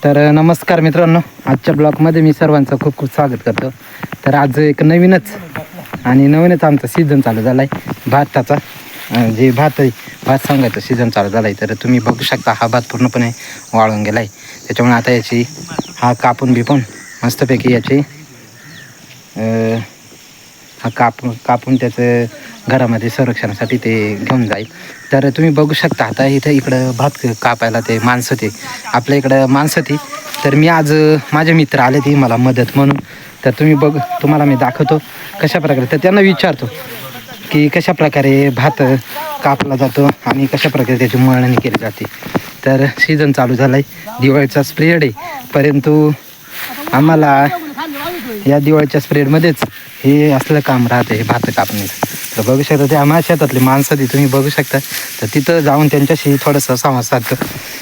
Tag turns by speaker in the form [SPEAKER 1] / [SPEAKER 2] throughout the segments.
[SPEAKER 1] तर नमस्कार मित्रांनो, आजच्या ब्लॉगमध्ये मी सर्वांचं खूप खूप स्वागत करतो. तर आज एक नवीनच आमचा सीझन चालू झाला आहे भाताचा. जे भात सांगायचं सीझन चालू झाला आहे. तर तुम्ही बघू शकता हा भात पूर्णपणे वाळून गेला आहे. त्याच्यामुळे आता याची हा कापून मस्तपैकी याची हा कापून त्याचं घरामध्ये संरक्षणासाठी ते घेऊन जाईल. तर तुम्ही बघू शकता आता इकडं भात कापायला ते माणसं ते आपल्या इकडं माणसं ती. तर मी आज माझे मित्र आले ती मला मदत म्हणून. तर तुम्हाला मी दाखवतो कशा प्रकारे. तर त्यांना विचारतो की कशा प्रकारे भात कापला जातो आणि कशा प्रकारे त्याची मळणी केली जाते. तर सीझन चालू झाला आहे, दिवाळीचा स्प्रेड आहे. परंतु आम्हाला या दिवाळीच्या स्प्रेडमध्येच हे असलं काम राहते, हे भात कापण्याचं. तर बघू शकता ते आम्हाला शेतातली माणसं ती तुम्ही बघू शकता. तर तिथं जाऊन त्यांच्याशी थोडंसं संवाद साधतो.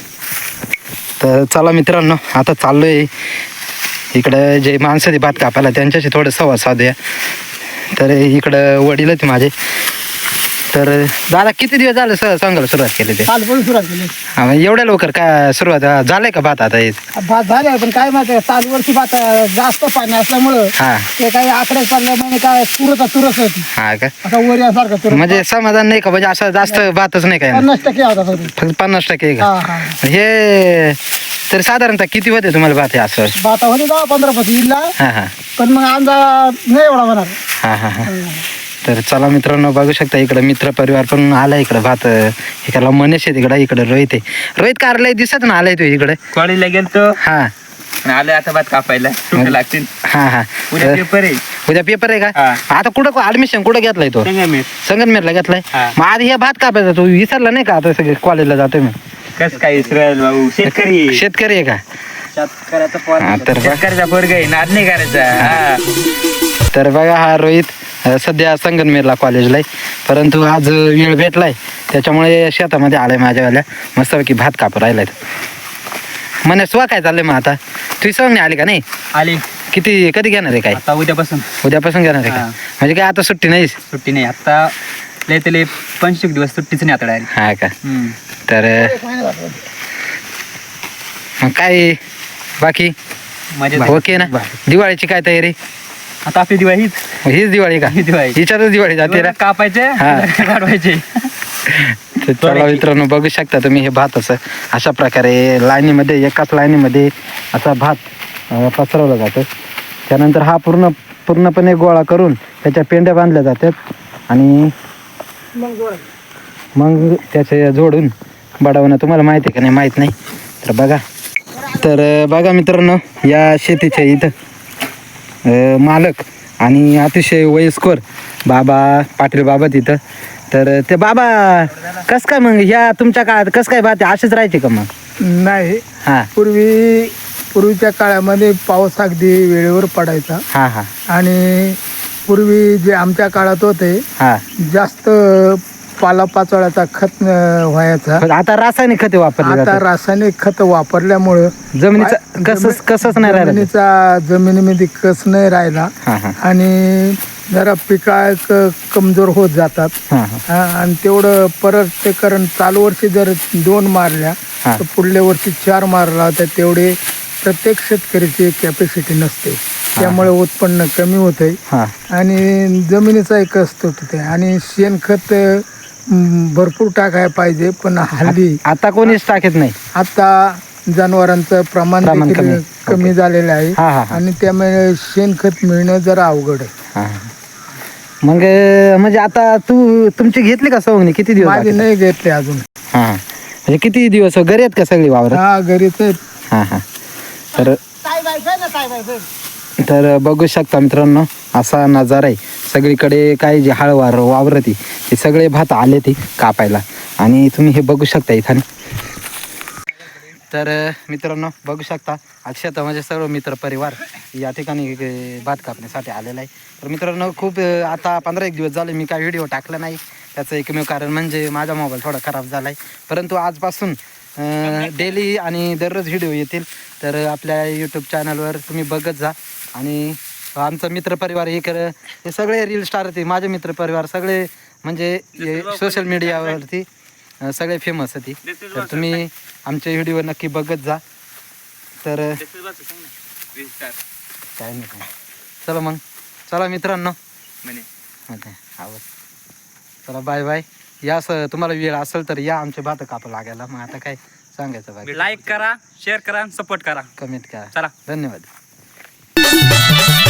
[SPEAKER 1] तर चला मित्रांनो, आता चाललो आहे इकडं जे माणसं ती भात कापायला त्यांच्याशी थोडं संवाद साधूया. तर इकडं वडील होते माझे. तर दादा किती दिवस झाले सांगायला सुरुवात केली ते?
[SPEAKER 2] सुरुवात केली.
[SPEAKER 1] हा, मग एवढ्या लवकर काय सुरुवात झालंय का भात आता?
[SPEAKER 2] भात झाले, पण काय माहिती चालू वर्षी भात जास्त पाणी असल्यामुळं
[SPEAKER 1] हा
[SPEAKER 2] ते काही आकडेच पडले म्हणजे काय तुरच होती.
[SPEAKER 1] हा का?
[SPEAKER 2] आता वरियासारखं तुरत
[SPEAKER 1] म्हणजे समाधान नाही का? म्हणजे असं जास्त भातच नाही काय?
[SPEAKER 2] 50% होता तरी.
[SPEAKER 1] फक्त 50% आहे का?
[SPEAKER 2] हा.
[SPEAKER 1] हे तर साधारणतः किती होते तुम्हाला भात हे असं?
[SPEAKER 2] भात होते 10-15 इल्ला,
[SPEAKER 1] हा हा
[SPEAKER 2] पण मग अंदाज नाही एवढा होणार.
[SPEAKER 1] हा हा हा. तर चला मित्रांनो, बघू शकता इकडं मित्र परिवार पण आला इकडं भात इकडला मनीष आहे तिकडं. इकडं रोहित आहे. रोहित कार्यालय दिसत ना आलाय तू इकडे?
[SPEAKER 3] कॉलेजला गेलतो,
[SPEAKER 1] हा
[SPEAKER 3] आलं आता भात कापायला. सुट्ट्या लागतील.
[SPEAKER 1] हा हा.
[SPEAKER 3] उद्या पेपर आहे.
[SPEAKER 1] उद्या पेपर आहे का?
[SPEAKER 3] हा.
[SPEAKER 1] आता कुठं ऍडमिशन कुठं घेतलाय तो?
[SPEAKER 3] संगमेर.
[SPEAKER 1] संगमनेरला घेतलाय.
[SPEAKER 3] हा.
[SPEAKER 1] मग आधी हे भात कापायचा तू विसरला नाही का? आता सगळे कॉलेजला जातोय मी.
[SPEAKER 3] कस काय इसरायल भाऊ, शेतकरी आहे.
[SPEAKER 1] शेतकरी आहे का? हा, तर
[SPEAKER 3] शेतकऱ्याचा पोरग आहे, नाद नाही करायचा. हा.
[SPEAKER 1] तर बघा हा रोहित सध्या संगमनेरला कॉलेजला आहे. परंतु आज वेळ भेटलाय त्याच्यामुळे शेतामध्ये आलाय माझ्यावाल्या. मस्तपैकी भात कापू राहिलाय. म्हणे स्वा काय चाललंय मग आता? तुझी सवंग नाही आली का? नाही
[SPEAKER 3] आली.
[SPEAKER 1] कधी घेणार आहे काय?
[SPEAKER 3] आता उद्यापासून
[SPEAKER 1] उद्यापासून घेणार आहे का?
[SPEAKER 3] हा.
[SPEAKER 1] म्हणजे काय आता सुट्टी नाही?
[SPEAKER 3] सुट्टी नाही. आता लय तले 25 दिवस सुट्टीच नाही आता डायरेक्ट.
[SPEAKER 1] हा का? तर मग काय बाकी
[SPEAKER 3] मजा
[SPEAKER 1] ओके ना? दिवाळीची काय तयारी?
[SPEAKER 3] आता आपली दिवाळी
[SPEAKER 1] हीच दिवाळी का?
[SPEAKER 3] दिवाळी
[SPEAKER 1] हिच्यातच दिवाळी जाते ना?
[SPEAKER 3] कापायचे,
[SPEAKER 1] हा.
[SPEAKER 3] काढवायचे.
[SPEAKER 1] तर चला मित्रांनो, बघू शकता तुम्ही हे भात असं अशा प्रकारे लाईनीमध्ये, एकाच लाईनीमध्ये असा भात पसरवला जातो. त्यानंतर हा पूर्णपणे गोळा करून त्याच्या पेंड्या बांधल्या जातात आणि मग त्याचे जोडून बडवणं. तुम्हाला माहिती आहे का नाही माहीत नाही? तर बघा मित्रांनो, या शेतीच्या इथं मालक आणि अतिशय वयस्कर पाटील बाबा तिथं. तर ते बाबा कस काय मग ह्या तुमच्या काळात कस काय भात असेच राहायचे का मग?
[SPEAKER 2] नाही,
[SPEAKER 1] हा
[SPEAKER 2] पूर्वीच्या काळामध्ये पाऊस अगदी वेळेवर पडायचा.
[SPEAKER 1] हा हा
[SPEAKER 2] आणि पूर्वी जे आमच्या काळात होते
[SPEAKER 1] हा.
[SPEAKER 2] जास्त पालापाचोळ्याचा खत व्हायचा.
[SPEAKER 1] पण आता रासायनिक खते वापरले
[SPEAKER 2] आता
[SPEAKER 1] जातात.
[SPEAKER 2] रासायनिक खत वापरल्यामुळं
[SPEAKER 1] जमिनीचा कसच नाही राहिला.
[SPEAKER 2] जमिनीमध्ये कस नाही राहिला
[SPEAKER 1] हा हा
[SPEAKER 2] आणि जरा पिका कमजोर होत जातात.
[SPEAKER 1] हा हा
[SPEAKER 2] आणि तेवढं परत ते कारण चालू वर्षी जर 2 मारल्या
[SPEAKER 1] हा.
[SPEAKER 2] तर पुढल्या वर्षी 4 मारला तर तेवढे प्रत्येक शेतकऱ्याची कॅपॅसिटी नसते. त्यामुळे उत्पन्न कमी होते
[SPEAKER 1] हा.
[SPEAKER 2] आणि जमिनीचाही कष्ट होते. आणि शेणखत भरपूर टाकायला पाहिजे, पण हल्ली
[SPEAKER 1] आता कोणीच टाकत नाही.
[SPEAKER 2] आता जनावरांचं प्रमाण देखील कमी झालेलं आहे.
[SPEAKER 1] हा हा हा.
[SPEAKER 2] आणि त्यामुळे शेणखत मिळणं जरा अवघड आहे.
[SPEAKER 1] हा. मग म्हणजे आता तुमची घेतली का सवंगणी? किती दिवस
[SPEAKER 2] माझे
[SPEAKER 1] बाकी?
[SPEAKER 2] नाही घेतले अजून.
[SPEAKER 1] हा. म्हणजे किती दिवस घरी आहेत का सगळी वावर?
[SPEAKER 2] हा, घरीच आहेत.
[SPEAKER 1] हा हा. तर बघू शकता मित्रांनो, असा नजारा आहे सगळीकडे. काय जे हळवार वावरती ते सगळे भात आले ते कापायला आणि तुम्ही हे बघू शकता इथं. तर मित्रांनो बघू शकता आज शेतामध्ये सर्व मित्र परिवार या ठिकाणी भात कापण्यासाठी आलेला आहे. तर मित्रांनो खूप आता 15-1 दिवस झाले मी काय व्हिडिओ टाकला नाही. त्याचं एकमेव कारण म्हणजे माझा मोबाईल थोडा खराब झाला आहे. परंतु आजपासून डेली आणि दररोज व्हिडिओ येतील. तर आपल्या यूट्यूब चॅनलवर तुम्ही बघत जा. आणि आमचा मित्रपरिवार हे सगळे रील स्टार होते. माझे मित्रपरिवार सगळे म्हणजे सोशल मीडियावरती सगळे फेमस होती. तर तुम्ही आमचे व्हिडिओ नक्की बघत जा. तर काय नाही काय. चला मग, चला मित्रांनो, आवाज. चला बाय बाय. या तुम्हाला वेळ असेल तर या आमचे भात कापू लागायला. मग आता काय सांगायचं बाकी,
[SPEAKER 3] लाईक करा, शेअर करा, सपोर्ट करा.
[SPEAKER 1] कमेंट करा.
[SPEAKER 3] चला.
[SPEAKER 1] धन्यवाद.